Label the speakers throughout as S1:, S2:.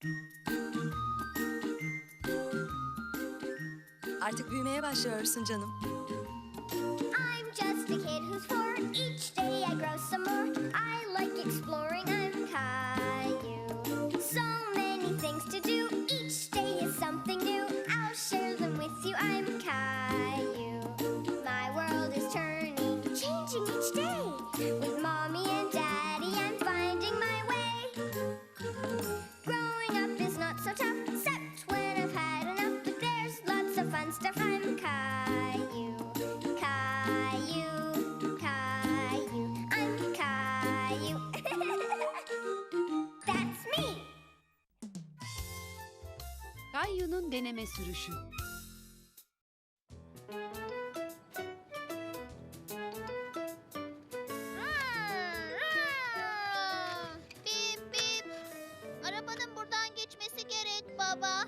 S1: Artık büyümeye başlıyorsun canım.
S2: I'm just a kid who's 4. Each day I grow some more. I like exploring. I'm Caillou. So many things to do. Each day is something new. I'll share them with you. I'm Caillou. My world is turning, changing each day. With mommy and daddy, I'm finding my way. Growing up is not so tough, except when I've had enough. But there's lots of fun stuff. I'm Caillou. Caillou, Caillou, I'm Caillou. That's me.
S3: Caillou'nun deneme sürüşü.
S2: Bip bip. Arabanın buradan geçmesi gerek baba.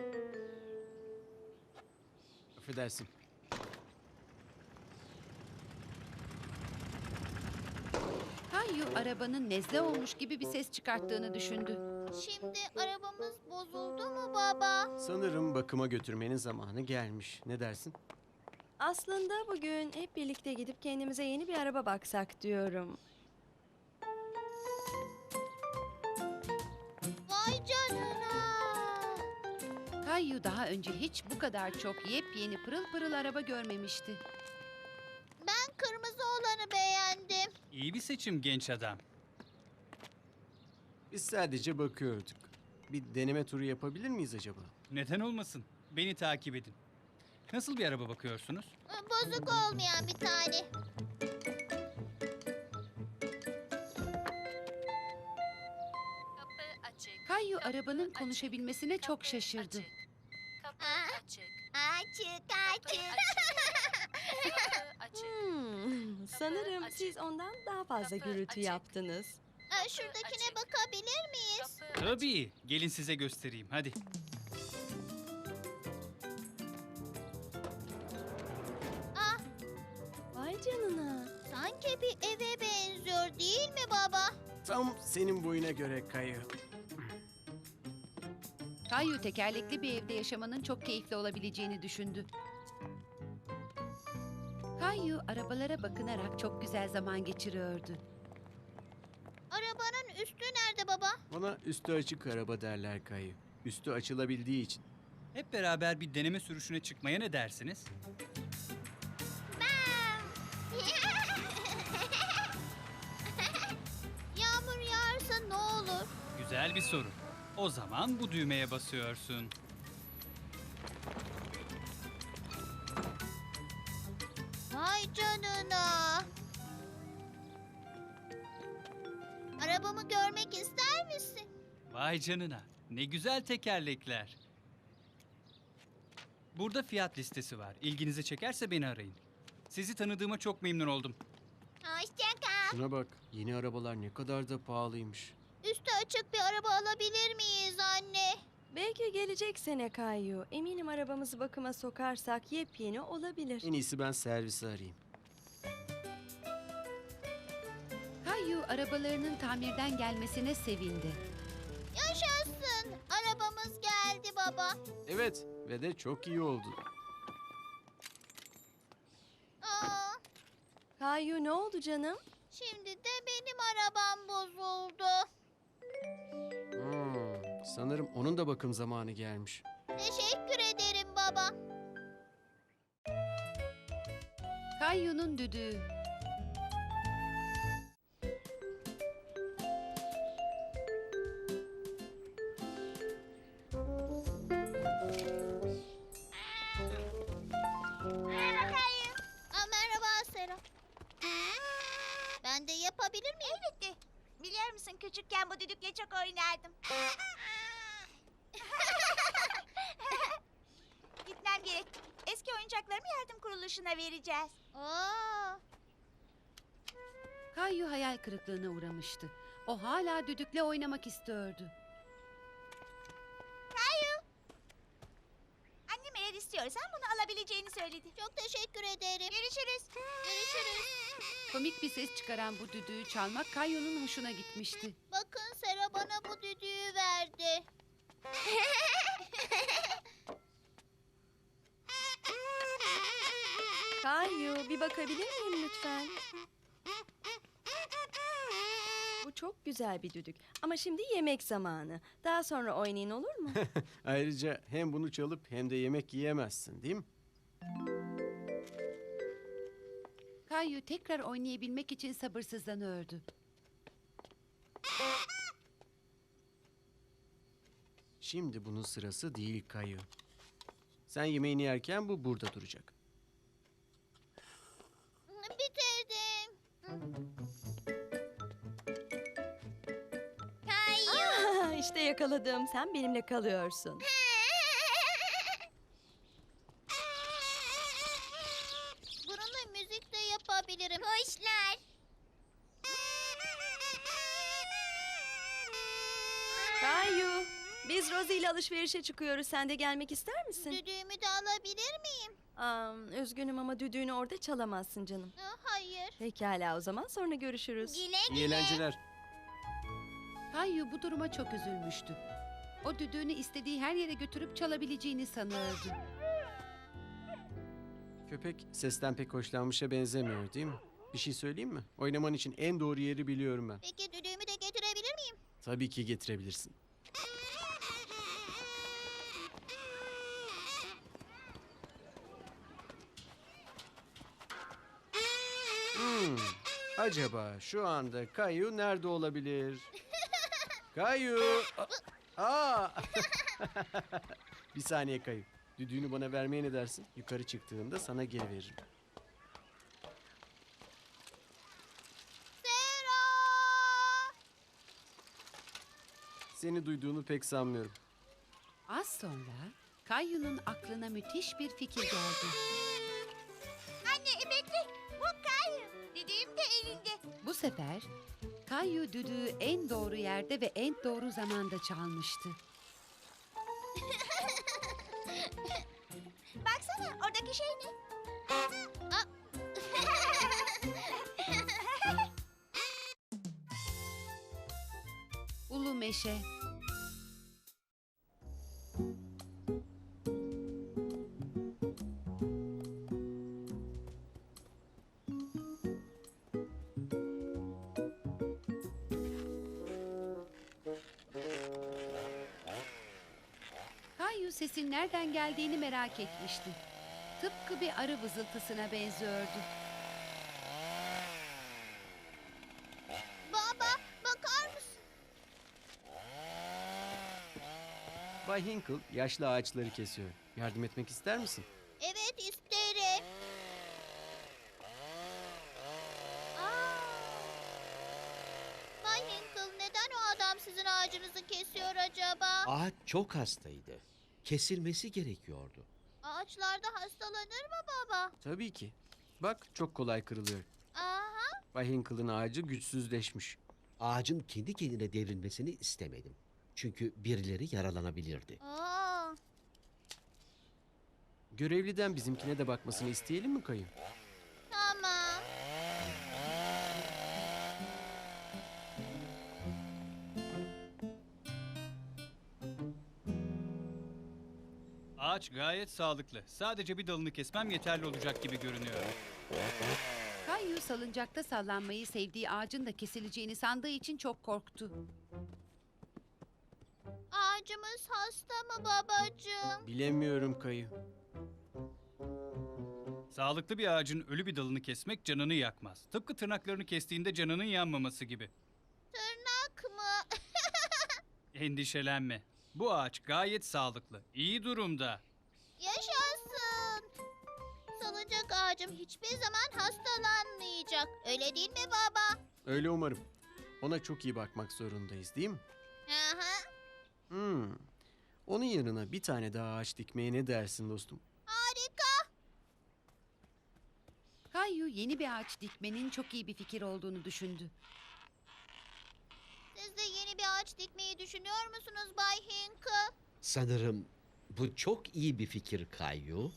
S4: Affedersin.
S3: Caillou arabanın nezle olmuş gibi bir ses çıkarttığını düşündü.
S2: Şimdi arabamız bozuldu mu baba?
S4: Sanırım bakıma götürmenin zamanı gelmiş. Ne dersin?
S1: Aslında bugün hep birlikte gidip kendimize yeni bir araba baksak diyorum.
S2: Vay canına.
S3: Caillou daha önce hiç bu kadar çok yepyeni pırıl pırıl araba görmemişti.
S2: Ben kırmızı olanı beğendim.
S5: İyi bir seçim genç adam.
S4: Biz sadece bakıyorduk. Bir deneme turu yapabilir miyiz acaba?
S5: Neden olmasın? Beni takip edin. Nasıl bir araba bakıyorsunuz?
S2: Bozuk olmayan bir tane.
S3: Caillou arabanın konuşabilmesine çok şaşırdı.
S2: Açık, açık.
S1: Sanırım siz ondan daha fazla gürültü yaptınız.
S2: Şuradakine bakabilir miyiz?
S5: Tabii. Gelin size göstereyim. Hadi.
S1: Vay canına.
S2: Sanki bir eve benziyor değil mi baba?
S4: Tam senin boyuna göre Kayı.
S3: Caillou tekerlekli bir evde yaşamanın çok keyifli olabileceğini düşündü. Caillou arabalara bakınarak çok güzel zaman geçiriyordu.
S2: Arabanın üstü nerede baba?
S4: Bana üstü açık araba derler Kayı. Üstü açılabildiği için.
S5: Hep beraber bir deneme sürüşüne çıkmaya ne dersiniz?
S2: Yağmur yağarsa ne olur?
S5: Güzel bir soru. O zaman bu düğmeye basıyorsun.
S2: Vay canına. Arabamı görmek ister misin?
S5: Vay canına. Ne güzel tekerlekler. Burada fiyat listesi var. İlginizi çekerse beni arayın. Sizi tanıdığıma çok memnun oldum.
S2: Hoşça kal.
S4: Şuna bak, yeni arabalar ne kadar da pahalıymış.
S2: Üstü açık bir araba alabilir miyiz anne?
S1: Belki gelecek sene Caillou. Eminim arabamızı bakıma sokarsak yepyeni olabilir.
S4: En iyisi ben servisi arayayım.
S3: Caillou arabalarının tamirden gelmesine sevindi.
S2: Yaşasın. Arabamız geldi baba.
S4: Evet ve de çok iyi oldu.
S2: Aa,
S1: Caillou ne oldu canım?
S2: şimdi de benim arabam bozuldu.
S4: Sanırım onun da bakım zamanı gelmiş.
S2: Teşekkür ederim baba.
S3: Caillou'nun düdüğü.
S2: Merhaba Kayı. Merhaba Sera. Ben de yapabilir miyim? Elbette. Biliyor musun küçükken bu düdükle çok oynardım.
S6: Gitmem gerek. Eski oyuncaklarımı yardım kuruluşuna vereceğiz.
S2: Aa,
S3: Caillou hayal kırıklığına uğramıştı. O hala düdükle oynamak istiyordu.
S6: Annem eğer istiyorsan bunu alabileceğini söyledi.
S2: çok teşekkür ederim.
S6: Görüşürüz.
S2: Görüşürüz.
S3: Komik bir ses çıkaran bu düdüğü çalmak Caillou'nun hoşuna gitmişti.
S2: Bakın Sera bana bu düdüğü verdi.
S1: Kayu, bir bakabilir miyim lütfen? Bu çok güzel bir düdük. Ama şimdi yemek zamanı. Daha sonra oynayın, olur mu?
S4: Ayrıca hem bunu çalıp hem de yemek yiyemezsin, değil mi?
S3: Kayu tekrar oynayabilmek için sabırsızlanıyordu.
S4: Şimdi bunun sırası değil Kayu. Sen yemeğini yerken bu burada duracak.
S2: Bitirdim. Kayu.
S1: işte yakaladım. Sen benimle kalıyorsun.
S2: Bununla müzik de yapabilirim. Kuşlar.
S1: Kayu, biz Rosie ile alışverişe çıkıyoruz. Sen de gelmek ister misin?
S2: Düdüğümü de alabilir miyim?
S1: Üzgünüm ama düdüğünü orada çalamazsın canım.
S2: Hayır.
S1: Pekala, o zaman sonra görüşürüz.
S2: Güle
S4: İyi eğlenceler.
S3: Kayu bu duruma çok üzülmüştü. O düdüğünü istediği her yere götürüp çalabileceğini sanıyordu.
S4: Köpek sesten pek hoşlanmışa benzemiyor, değil mi? Bir şey söyleyeyim mi? Oynaman için en doğru yeri biliyorum ben.
S2: Peki düdüğümü de getirebilir miyim?
S4: Tabii ki getirebilirsin. Acaba şu anda Kayu nerede olabilir? Kayu! Aa! Bir saniye Kayu. Düdüğünü bana vermeye ne dersin? Yukarı çıktığında sana geri veririm.
S2: Sera!
S4: Seni duyduğunu pek sanmıyorum.
S3: Az sonra Kayu'nun aklına müthiş bir fikir geldi.
S2: Anne bekle. Bu Kayu. Düdüğüm de elinde.
S3: Bu sefer Kayu düdüğü en doğru yerde ve en doğru zamanda çalmıştı.
S2: Baksana oradaki şey ne? Aa.
S3: Ulu meşe. Kayu sesin nereden geldiğini merak etmişti. Tıpkı bir arı vızıltısına benziyordu.
S2: Baba bakar mısın?
S4: Bay Hinkle yaşlı ağaçları kesiyor. Yardım etmek ister misin?
S2: Evet isterim. Bay Hinkle neden o adam sizin ağacınızı kesiyor acaba?
S7: Ağaç çok hastaydı. Kesilmesi gerekiyordu.
S2: Ağaçlarda hastalanır mı baba?
S4: Tabii ki. Bak çok kolay kırılıyor.
S2: Aha.
S4: Bay Hinkle'ın ağacı güçsüzleşmiş.
S7: Ağacın kendi kendine devrilmesini istemedim. Çünkü birileri yaralanabilirdi.
S2: Aa.
S4: Görevliden bizimkine de bakmasını isteyelim mi Kayu?
S2: Tamam.
S5: Ağaç gayet sağlıklı. Sadece bir dalını kesmem yeterli olacak gibi görünüyor.
S3: Kayu salıncakta sallanmayı sevdiği ağacın da kesileceğini sandığı için çok korktu.
S2: Ağacımız hasta mı babacığım?
S4: Bilemiyorum Kayu.
S5: Sağlıklı bir ağacın ölü bir dalını kesmek canını yakmaz. Tıpkı tırnaklarını kestiğinde canının yanmaması gibi.
S2: Tırnak mı?
S5: Endişelenme. Bu ağaç gayet sağlıklı, iyi durumda.
S2: Yaşasın. Salıncak ağacım hiçbir zaman hastalanmayacak. Öyle değil mi baba?
S4: Öyle umarım. Ona çok iyi bakmak zorundayız, değil mi?
S2: Aha.
S4: Onun yanına bir tane daha ağaç dikmeye ne dersin dostum?
S2: Harika.
S3: Kayu yeni bir ağaç dikmenin çok iyi bir fikir olduğunu düşündü.
S2: Siz de yeni bir ağaç dikmeyi düşünüyor musunuz Bay Hinkle?
S7: Sanırım bu çok iyi bir fikir Kayu.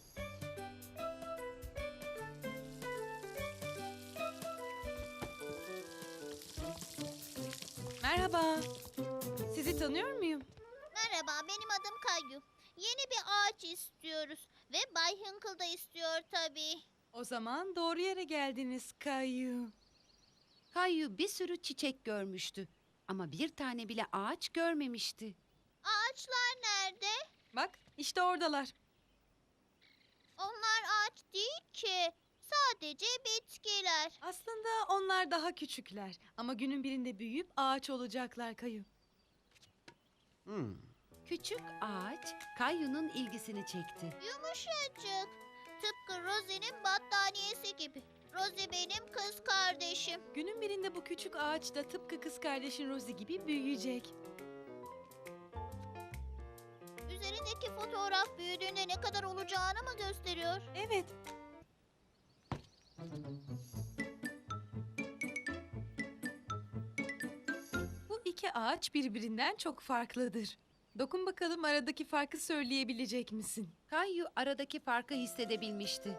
S1: Merhaba. Sizi tanıyor muyum?
S2: Merhaba, benim adım Kayu. Yeni bir ağaç istiyoruz ve Bay Hinkle da istiyor tabii.
S8: O zaman doğru yere geldiniz Kayu.
S3: Kayu bir sürü çiçek görmüştü. Ama bir tane bile ağaç görmemişti.
S2: Ağaçlar nerede?
S8: Bak işte oradalar.
S2: Onlar ağaç değil ki. Sadece bitkiler.
S8: Aslında onlar daha küçükler. Ama günün birinde büyüyüp ağaç olacaklar Kayu.
S4: Hmm.
S3: Küçük ağaç Kayu'nun ilgisini çekti.
S2: Yumuşacık. Tıpkı Rosie'nin battaniyesi gibi. Rosie benim kız kardeşim.
S8: Günün birinde bu küçük ağaç da tıpkı kız kardeşin Rosie gibi büyüyecek.
S2: Üzerindeki fotoğraf büyüdüğünde ne kadar olacağını mı gösteriyor?
S8: Evet. Bu iki ağaç birbirinden çok farklıdır. Dokun bakalım aradaki farkı söyleyebilecek misin?
S3: Kayu aradaki farkı hissedebilmişti.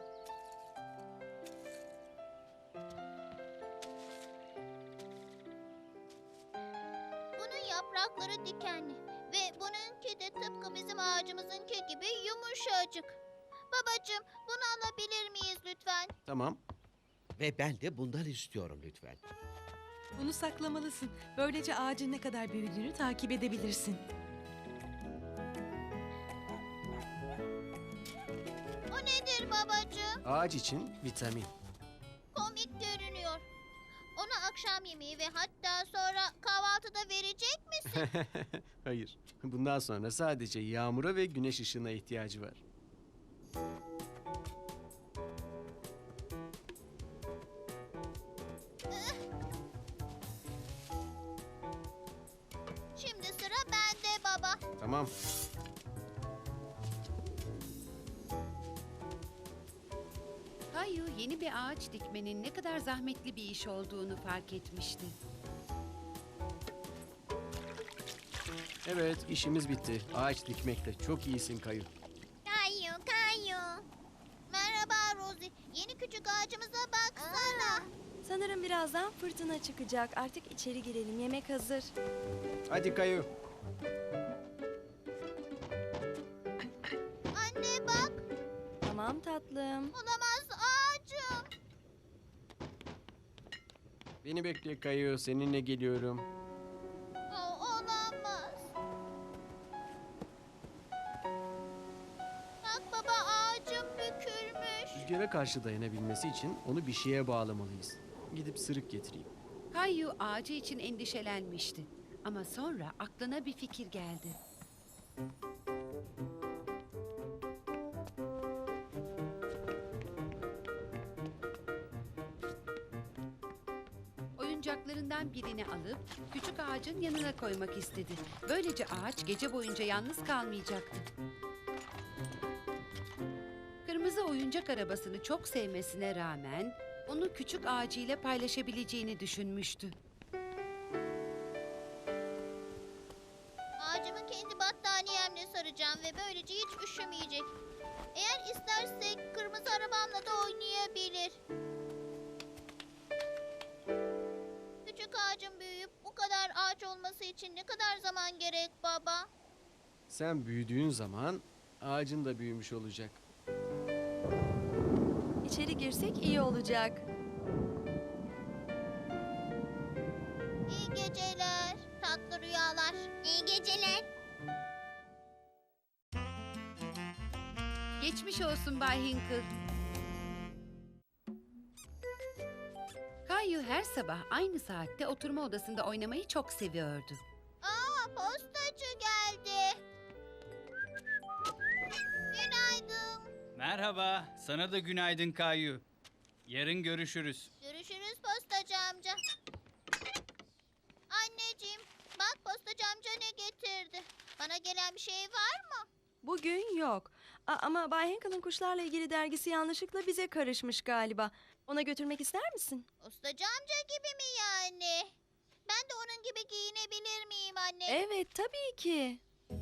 S2: Bunun yaprakları dikenli ve bununki de tıpkı bizim ağacımızınki gibi yumuşacık. Babacığım, bunu alabilir miyiz lütfen?
S4: Tamam.
S7: Ve ben de bundan istiyorum lütfen.
S8: Bunu saklamalısın. Böylece ağacın ne kadar büyüdüğünü takip edebilirsin.
S2: O nedir babacığım?
S4: Ağaç için vitamin.
S2: Komik görünüyor. Ona akşam yemeği ve hatta sonra kahvaltıda verecek misin?
S4: Hayır. Bundan sonra sadece yağmura ve güneş ışığına ihtiyacı var.
S2: Şimdi sıra bende baba.
S4: Tamam.
S3: Kayu yeni bir ağaç dikmenin ne kadar zahmetli bir iş olduğunu fark etmişti.
S4: Evet, işimiz bitti. Ağaç dikmekte çok iyisin Kayu.
S2: Kayu, Kayu. Merhaba Rosie. Yeni küçük ağacımıza baksana.
S1: Sanırım birazdan fırtına çıkacak. Artık içeri girelim. Yemek hazır.
S4: Hadi Kayu.
S2: Anne bak.
S1: Tamam tatlım.
S2: Olamaz ağacım.
S4: Beni bekle Kayu, seninle geliyorum.
S2: Olamaz. Bak baba, ağacım bükülmüş.
S4: Rüzgara karşı dayanabilmesi için onu bir şeye bağlamalıyız. Gidip sırık getireyim.
S3: Kayu ağacı için endişelenmişti. Ama sonra aklına bir fikir geldi. Oyuncaklarından birini alıp küçük ağacın yanına koymak istedi. Böylece ağaç gece boyunca yalnız kalmayacaktı. Kırmızı oyuncak arabasını çok sevmesine rağmen onu küçük ağacıyla paylaşabileceğini düşünmüştü.
S2: Ağacımı kendi battaniyemle saracağım ve böylece hiç üşümeyecek. Eğer istersek kırmızı arabamla da oynayabilir. Küçük ağacın büyüyüp bu kadar ağaç olması için ne kadar zaman gerek baba?
S4: Sen büyüdüğün zaman ağacın da büyümüş olacak.
S1: İçeri girsek iyi olacak.
S2: İyi geceler, tatlı rüyalar. İyi geceler.
S3: Geçmiş olsun Bay Hinkle. Kayu her sabah aynı saatte oturma odasında oynamayı çok seviyordu.
S2: Aa, postacı geldi. Günaydın.
S5: Merhaba, sana da günaydın Kayu. Yarın görüşürüz.
S2: Görüşürüz postacı amca. Anneciğim, bak postacı amca ne getirdi. Bana gelen bir şey var mı?
S1: Bugün yok. Ama Bay Henkel'ın kuşlarla ilgili dergisi yanlışlıkla bize karışmış galiba. Ona götürmek ister misin?
S2: Postacı amca gibi mi yani? Ben de onun gibi giyinebilir miyim anne?
S1: Evet, tabii ki.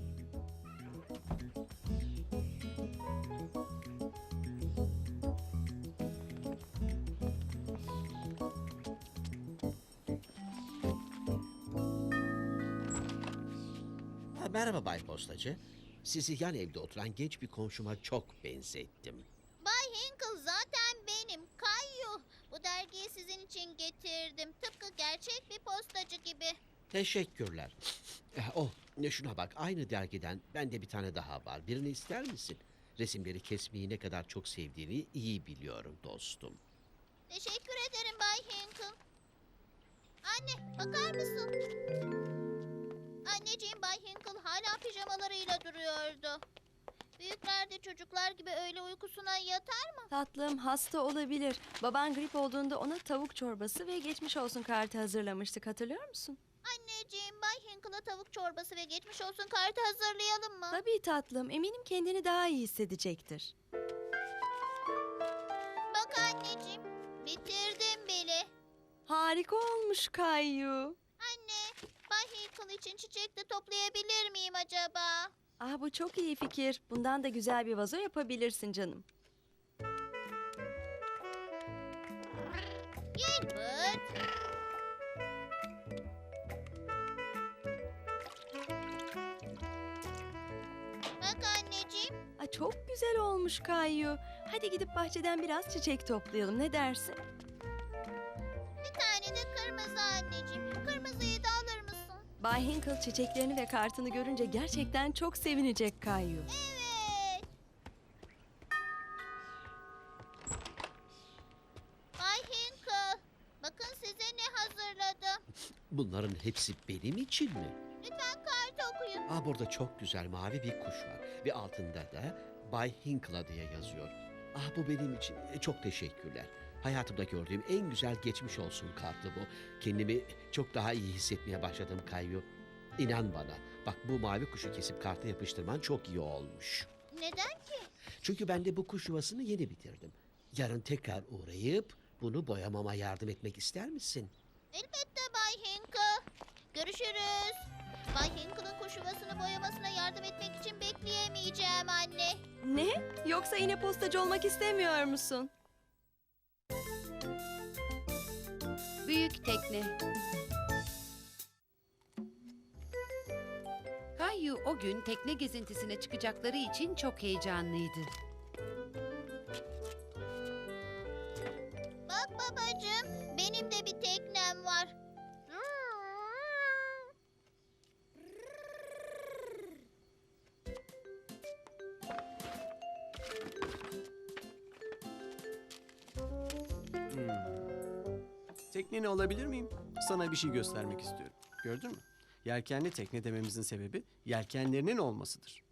S7: Merhaba Bay Postacı. Sizi yan evde oturan genç bir komşuma çok benzettim.
S2: Bay Hinkle zaten benim Kayu. Bu dergiyi sizin için getirdim. Tıpkı gerçek bir postacı gibi.
S7: Teşekkürler. Şuna bak, aynı dergiden bende bir tane daha var. Birini ister misin? Resimleri kesmeyi ne kadar çok sevdiğini iyi biliyorum dostum.
S2: Teşekkür ederim Bay Hinkle. Anne, bakar mısın? Anneciğim, Bay Hinkle hala pijamalarıyla duruyordu. Büyükler de çocuklar gibi öğle uykusuna yatar mı?
S1: Tatlım hasta olabilir. Baban grip olduğunda ona tavuk çorbası ve geçmiş olsun kartı hazırlamıştık, hatırlıyor musun?
S2: Anneciğim, Bay Hinkle'a tavuk çorbası ve geçmiş olsun kartı hazırlayalım mı?
S1: Tabii tatlım, eminim kendini daha iyi hissedecektir.
S2: Bak anneciğim, bitirdim bile.
S1: Harika olmuş Kayu.
S2: Anne, Bay Hinkle için çiçek de toplayabilir miyim acaba?
S1: Bu çok iyi fikir. Bundan da güzel bir vazo yapabilirsin canım.
S2: Gilbert. Bak anneciğim,
S1: Çok güzel olmuş Kayu. Hadi gidip bahçeden biraz çiçek toplayalım. Ne dersin?
S2: bir tane de kırmızı anneciğim. Kırmızıyı da alır mısın?
S1: Bay Hinkle çiçeklerini ve kartını görünce gerçekten çok sevinecek Kayu.
S2: Evet. Bay Hinkle, bakın size ne hazırladım.
S7: Bunların hepsi benim için mi?
S2: Lütfen kartı okuyun.
S7: Burada çok güzel mavi bir kuş var. Ve altında da Bay Hinkle diye yazıyor. Bu benim için. Çok teşekkürler. Hayatımda gördüğüm en güzel geçmiş olsun kartı bu. Kendimi çok daha iyi hissetmeye başladım Kayu. İnan bana. Bak, bu mavi kuşu kesip karta yapıştırman çok iyi olmuş.
S2: Neden ki?
S7: Çünkü ben de bu kuş yuvasını yeni bitirdim. Yarın tekrar uğrayıp bunu boyamama yardım etmek ister misin?
S2: Elbette Bay Hinkle. Görüşürüz. Bay Hinkle'ın kuş yuvasını boyamasına yardım etmek için bekleyemeyeceğim anne.
S1: Ne? Yoksa yine postacı olmak istemiyor musun?
S3: Büyük tekne. Kayu o gün tekne gezintisine çıkacakları için çok heyecanlıydı.
S2: Bak babacığım, benim de bir teknem var.
S4: Tekneni alabilir miyim? Sana bir şey göstermek istiyorum. Gördün mü? Yelkenli tekne dememizin sebebi yelkenlerinin olmasıdır.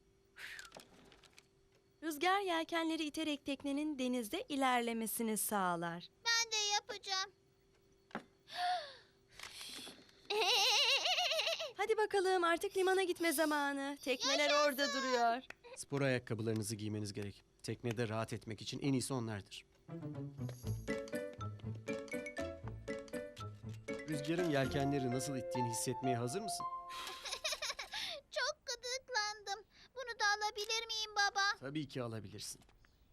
S1: Rüzgar yelkenleri iterek teknenin denizde ilerlemesini sağlar.
S2: Ben de yapacağım.
S1: Hadi bakalım, artık limana gitme zamanı. Tekneler orada duruyor.
S4: Spor ayakkabılarınızı giymeniz gerek. Teknede rahat etmek için en iyisi onlardır. Rüzgarın yelkenleri nasıl ittiğini hissetmeye hazır mısın?
S2: Çok gıdıklandım. Bunu da alabilir miyim baba?
S4: Tabii ki alabilirsin.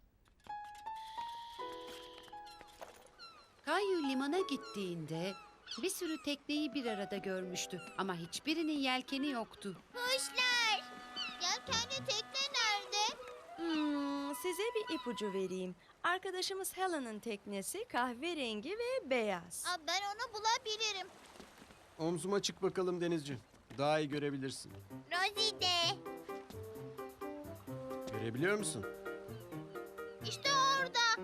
S3: Kayu limana gittiğinde bir sürü tekneyi bir arada görmüştü ama hiçbirinin yelkeni yoktu.
S2: Kuşlar. Yelkenli tekne nerede?
S1: Size bir ipucu vereyim. Arkadaşımız Helen'ın teknesi kahverengi ve beyaz.
S2: Ben onu bulabilirim.
S4: Omzuma çık bakalım denizci. Daha iyi görebilirsin.
S2: Rosie de.
S4: Görebiliyor musun?
S2: İşte orada.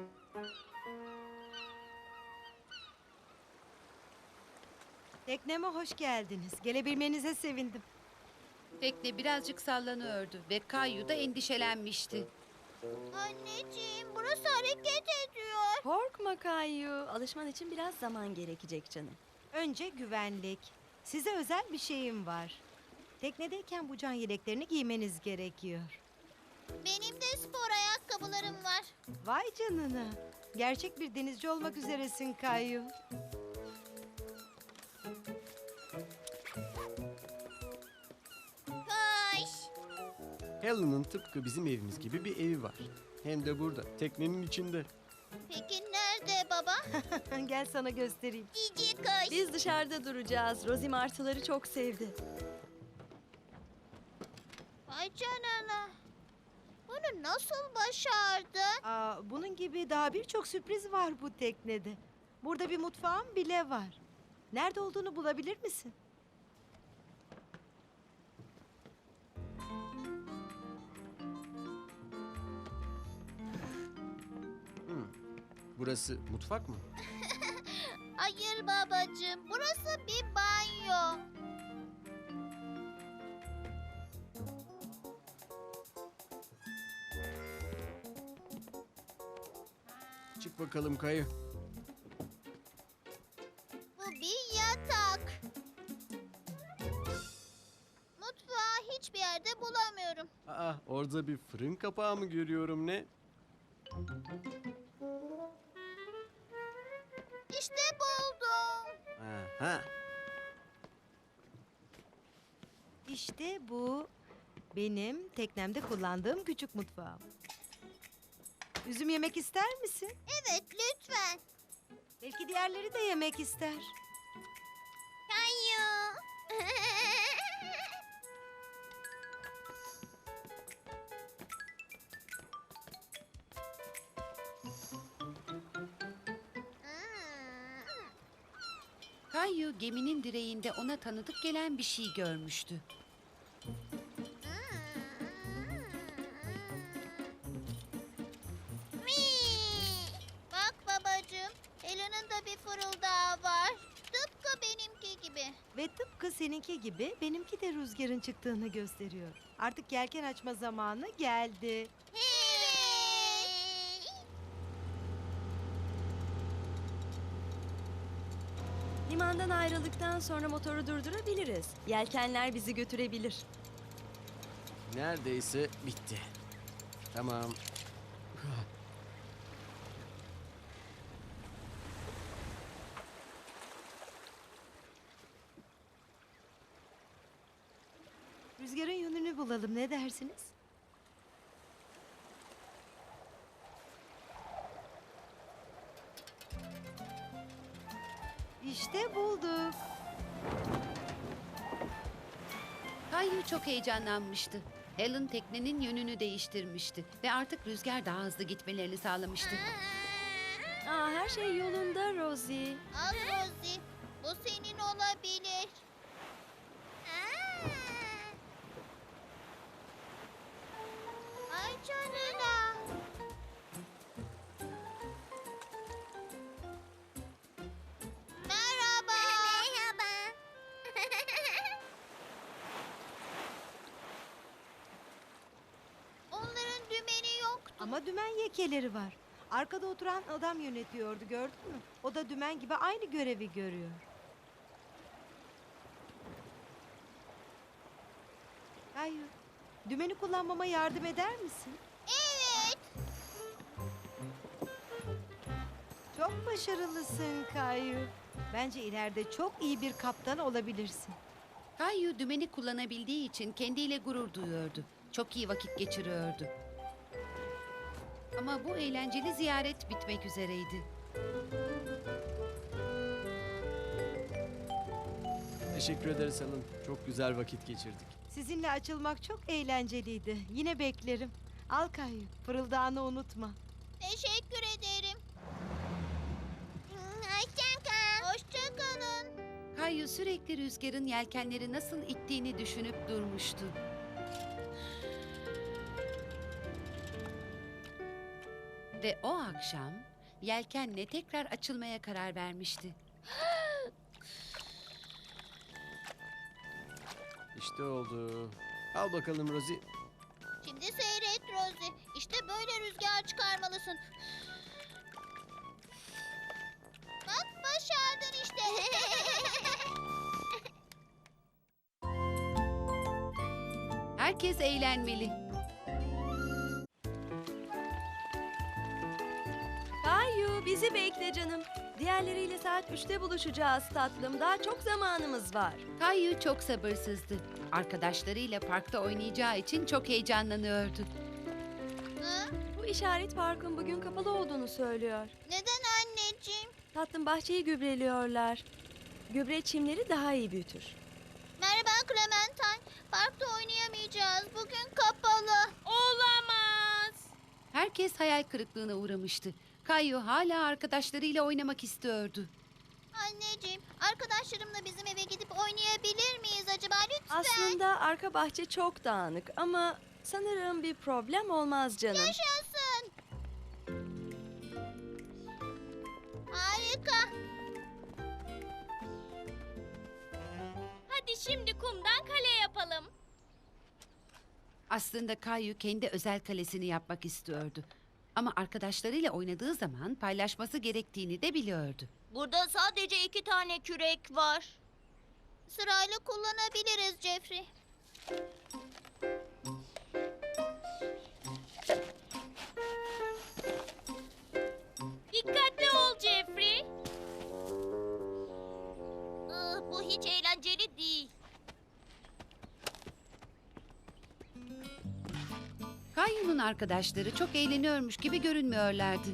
S9: Tekneme hoş geldiniz. Gelebilmenize sevindim.
S3: Tekne birazcık sallanıyordu ve Kayu da endişelenmişti.
S2: Anneciğim, burası hareket ediyor.
S1: Korkma Kayu. Alışman için biraz zaman gerekecek canım.
S9: Önce güvenlik. Size özel bir şeyim var. Teknedeyken bu can yeleklerini giymeniz gerekiyor.
S2: Benim de spor ayakkabılarım var.
S9: Vay canına. Gerçek bir denizci olmak üzeresin Kayu.
S2: Koş.
S4: Helen'ın tıpkı bizim evimiz gibi bir evi var. Hem de burada, teknenin içinde.
S2: Peki nerede baba?
S9: Gel sana göstereyim.
S2: Cici koş.
S1: Biz dışarıda duracağız. Rosie martıları çok sevdi.
S2: Vay canına.
S6: Bunu nasıl başardın?
S9: Bunun gibi daha birçok sürpriz var bu teknede. Burada bir mutfağım bile var. Nerede olduğunu bulabilir misin?
S4: Burası mutfak mı?
S6: Hayır babacığım, burası bir banyo.
S4: Çık bakalım Kayu.
S6: Bu bir yatak. Mutfağı hiçbir yerde bulamıyorum.
S4: Orada bir fırın kapağı mı görüyorum ne?
S6: İşte buldum.
S4: Aha.
S9: İşte bu benim teknemde kullandığım küçük mutfağım. Üzüm yemek ister misin?
S6: Evet, lütfen.
S9: Belki diğerleri de yemek ister.
S6: Kayu.
S3: Kayu geminin direğinde ona tanıdık gelen bir şey görmüştü.
S6: Bak babacığım, Helen'ın da bir fırıldağı var. Tıpkı benimki gibi.
S9: Ve tıpkı seninki gibi benimki de rüzgarın çıktığını gösteriyor. Artık yelken açma zamanı geldi.
S6: Hey!
S1: Limandan ayrıldıktan sonra motoru durdurabiliriz. Yelkenler bizi götürebilir.
S4: Neredeyse bitti. Tamam.
S9: Rüzgarın yönünü bulalım, ne dersiniz? İşte bulduk.
S3: Kayu çok heyecanlanmıştı. Helen teknenin yönünü değiştirmişti ve artık rüzgar daha hızlı gitmelerini sağlamıştı.
S1: Her şey yolunda Rosie.
S6: Al Rosie, bu senin olabilir. Ay canına. Merhaba. Merhaba. Onların dümeni yoktu.
S9: Ama dümen yekeleri var. Arkada oturan adam yönetiyordu, gördün mü? O da dümen gibi aynı görevi görüyor. Hayır. Dümeni kullanmama yardım eder misin?
S6: Evet.
S9: Çok başarılısın Kayu. Bence ileride çok iyi bir kaptan olabilirsin.
S3: Kayu dümeni kullanabildiği için kendiyle gurur duyuyordu. Çok iyi vakit geçiriyordu. Ama bu eğlenceli ziyaret bitmek üzereydi.
S4: Teşekkür ederiz Helen. Çok güzel vakit geçirdik.
S9: Sizinle açılmak çok eğlenceliydi. Yine beklerim. Al Kayu, fırıldağını unutma.
S6: Teşekkür ederim. Hoşça kal. Hoşça kalın.
S3: Kayu sürekli rüzgarın yelkenleri nasıl ittiğini düşünüp durmuştu. Ve o akşam yelkenle tekrar açılmaya karar vermişti.
S4: İşte oldu. Al bakalım Rosie.
S6: Şimdi seyret Rosie. İşte böyle rüzgar çıkarmalısın. Bak başardın işte.
S3: Herkes eğlenmeli.
S1: Kayu bizi bekle canım. Diğerleriyle saat 3'te buluşacağız tatlım. Daha çok zamanımız var.
S3: Kayu çok sabırsızdı. Arkadaşlarıyla parkta oynayacağı için çok heyecanlanıyordu.
S6: Hı?
S1: Bu işaret parkın bugün kapalı olduğunu söylüyor.
S6: Neden anneciğim?
S1: Tatlım bahçeyi gübreliyorlar. Gübre çimleri daha iyi büyütür.
S6: Merhaba Clementine. Parkta oynayamayacağız. Bugün kapalı. Olamaz.
S3: herkes hayal kırıklığına uğramıştı. Kayu hala arkadaşlarıyla oynamak istiyordu.
S6: Anneciğim, arkadaşlarımla bizim eve gidip oynayabilir miyiz acaba lütfen?
S1: Aslında arka bahçe çok dağınık ama sanırım bir problem olmaz canım.
S6: Yaşasın. Harika.
S2: Hadi şimdi kumdan kale yapalım.
S3: Aslında Kayu kendi özel kalesini yapmak istiyordu. Ama arkadaşlarıyla oynadığı zaman paylaşması gerektiğini de biliyordu.
S6: Burada sadece 2 tane kürek var. Sırayla kullanabiliriz Jeffrey.
S2: Dikkatli ol Jeffrey.
S6: Bu hiç eğlenceli değil.
S3: Kayu'nun arkadaşları çok eğleniyormuş gibi görünmüyorlardı.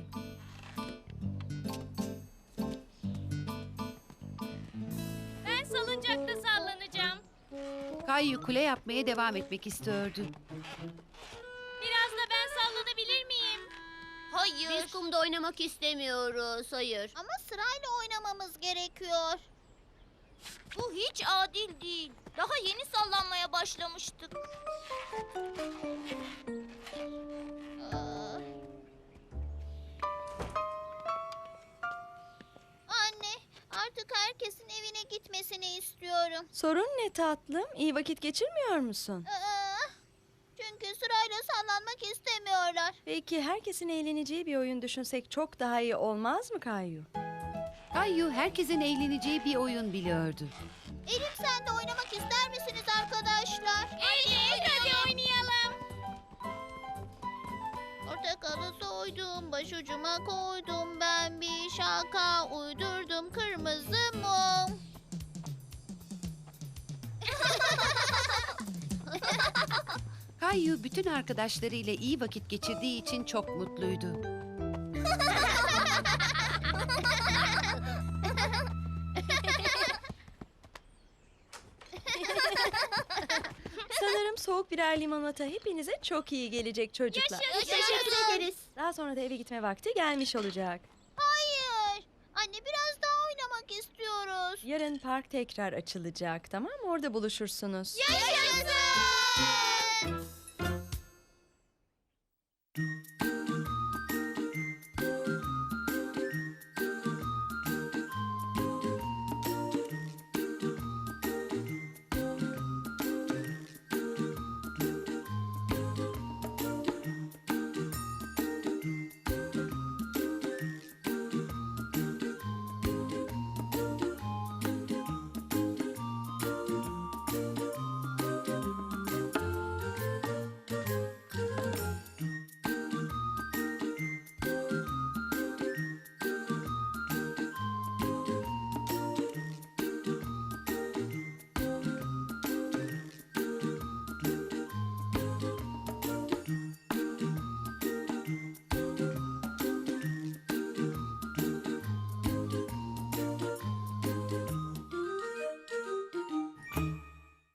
S2: Ben salıncakta sallanacağım.
S3: Kayu kule yapmaya devam etmek istiyordu.
S2: Biraz da ben sallanabilir miyim?
S6: Hayır.
S2: Biz kumda oynamak istemiyoruz, hayır.
S6: Ama sırayla oynamamız gerekiyor. Bu hiç adil değil. Daha yeni sallanmaya başlamıştık. Anne, artık herkesin evine gitmesini istiyorum.
S1: Sorun ne tatlım? İyi vakit geçirmiyor musun?
S6: Çünkü sırayla sallanmak istemiyorlar.
S1: Peki herkesin eğleneceği bir oyun düşünsek çok daha iyi olmaz mı Kayu?
S3: Kayu herkesin eğleneceği bir oyun biliyordu.
S6: Elif sen de oynamak ister misiniz arkadaşlar?
S2: Evet, hadi oynayalım.
S6: Portakalı soydum, başucuma koydum. Ben bir şaka uydurdum, kırmızı mum.
S3: Kayu bütün arkadaşlarıyla iyi vakit geçirdiği için çok mutluydu.
S1: Sanırım soğuk birer limonata hepinize çok iyi gelecek çocuklar.
S6: Teşekkür ederiz.
S1: Daha sonra da eve gitme vakti gelmiş olacak.
S6: Hayır. Anne biraz daha oynamak istiyoruz.
S1: Yarın park tekrar açılacak, tamam mı? Orada buluşursunuz.
S6: Yaşasın.